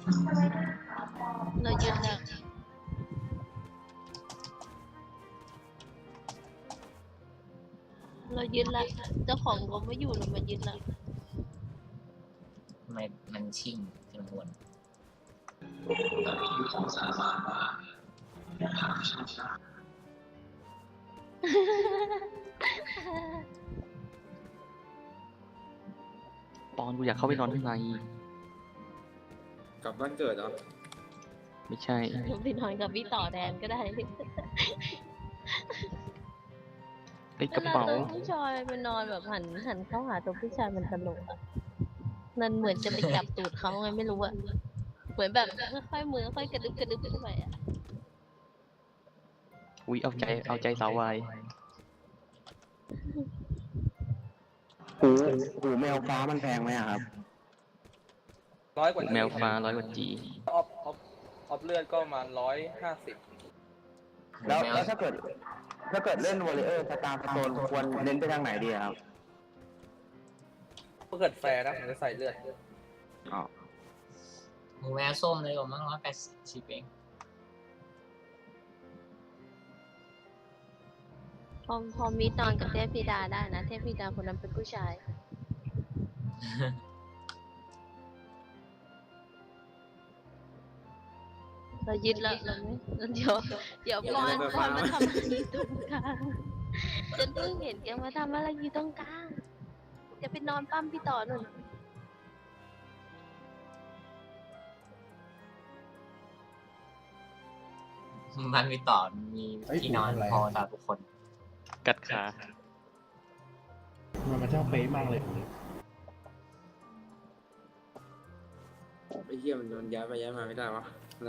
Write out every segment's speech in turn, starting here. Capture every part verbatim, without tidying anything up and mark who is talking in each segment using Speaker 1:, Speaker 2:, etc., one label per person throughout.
Speaker 1: เรายึดแล้วเรายึดละเจ้าของก็ไม่อยู่เรามายึดละ
Speaker 2: ทำไมมันชิ่งจำนวน
Speaker 3: ปอนกูอยากเข้าไปนอนข้างใน
Speaker 4: กลับบ้านเกิดเหรอ
Speaker 3: ไม่ใช่
Speaker 1: เราไปนอนกับพี่ต่อแทนก็ได้
Speaker 3: ไอ้กระเป๋า
Speaker 1: วลตัวผู้ชายไปนอนแบบหันหันเข้าหาตัวผู้ชายมันตลกอ่ะมันเหมือนจะไปจับตูดเขาไงไม่รู้อ่ะเหมือนแบบค่อยๆมือค่อยกระดึบกระดึบขึ้นไปอ่ะ
Speaker 3: อุ้ยเอาใจเอาใจสาววาย
Speaker 5: หูหูแมวฟ้ามันแพงไหมอะครับ
Speaker 6: ร้อยกว่า
Speaker 3: แมวฟ้าร้อยกว่าจี
Speaker 6: ออฟออฟออฟเลือดก็ประมาณร้อยห้าสิบ
Speaker 5: แล้วแล้วถ้าเกิด ถ้าเกิดเล่นวอลเลเยอร์สตาร์สโตนควรเน้นไปทางไหนดีอะครับ
Speaker 6: ถ้าเกิดแฟร์นะผมจะใส่เลือด
Speaker 5: อ๋อ
Speaker 2: หมูแมวส้มเลยผมมั้งร้อยแปดสิบเอง
Speaker 1: พอพอมีนอนกับเทพธิดาได้นะเทพธิดาคนนั้นเป็นผู้ชาย เรายึดแล้วเราไม่เดี๋ยวเดี๋ยวปอนปอนมาทำอะไรอยู่ตรงกลางฉันเพิ่งเห็นแกมาทำอะไรอยู่ตรงกลางจะไปนอนปั้มพี่ต่อหนุน
Speaker 2: มันมีต่อมีที่นอนพอสำหรับทุกคน
Speaker 3: กัดขา
Speaker 7: มันมันช่างเป๊ะมากเลย
Speaker 4: ไอ้เหี้ยมันโดนย้ายไปย้ายมาไม่ได้วะอะไร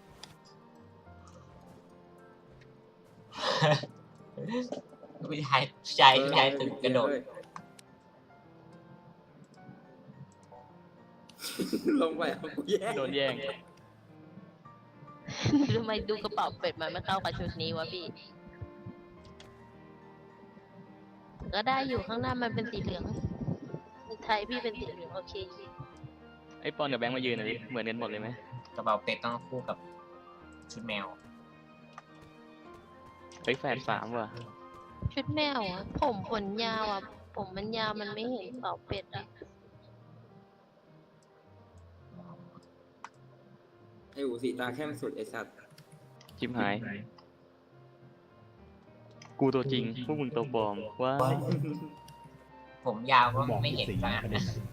Speaker 2: ผู้ชายผู้ชายผู้ชายตึกกระโดด
Speaker 4: ลงไปเอากูแย่
Speaker 3: โดนแย่ง
Speaker 1: ทำไมดูกระเป๋าเป็ดมันไม่เข้ากับชุดนี้วะพี่ ก็ได้อยู่ข้างหน้ามันเป็นสีเหลืองไทยพี่เป็นสีเหลืองโอเค
Speaker 3: ไอ้ปอนกับแบงค์มายืนหน่อยดิเหมือนกันหมดเลยไหม
Speaker 2: กระเป๋าเป็ดต้องคู่กับชุดแมว
Speaker 3: เฮ้ยแฝดสามว่ะ
Speaker 1: ชุดแมวอ่ะผมขนยาวอ่ะ ผมมันยาวมันไม่เห็นกระเป๋าเป็ดอ่ะ
Speaker 4: ไอ้หูสีตาเข้มสุดไอ้สัตว์
Speaker 3: ชิมหาย กูตัวจริง พวกมึงตัวปลอมว้าย
Speaker 2: ผมยาวก็
Speaker 7: บอก
Speaker 2: ไม่เห็น
Speaker 7: สี
Speaker 2: ขนาด
Speaker 7: ประเด็
Speaker 2: นั้น น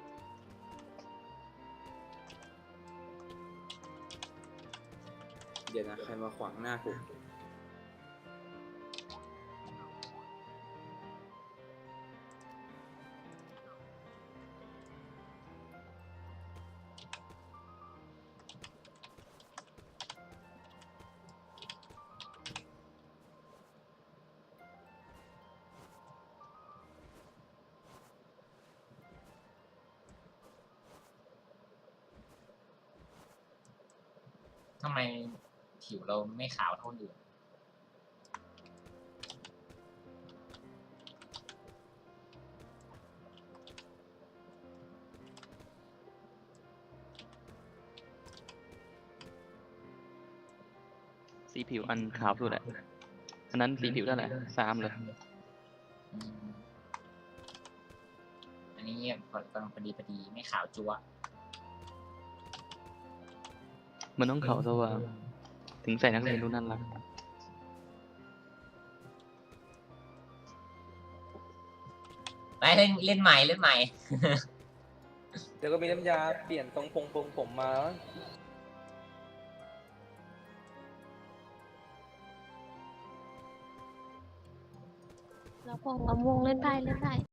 Speaker 4: เดี๋ยวนะใครมาขวางหน้ากู
Speaker 2: ทำไมผิวเราไม่ขาวเท่าคนอื่น
Speaker 3: สีผิวอันขาวสุดแหละอันนั้นสีผิวเท่าไหร่สามเลย
Speaker 2: อืมอันนี้พอกำลังพอดีพอดีไม่ขาวจั๊ว
Speaker 3: มันต้องขาวสว่างถึงใส่นักเรียนรู้นั่นรัก
Speaker 2: ไปเล่นเล่นใหม่เล่นใหม่
Speaker 6: เดี๋ยวก็มีน้ำยาเปลี่ยนตรงพงปงผมมา
Speaker 1: แล้วพอลำวงเล่นได้เล่นได้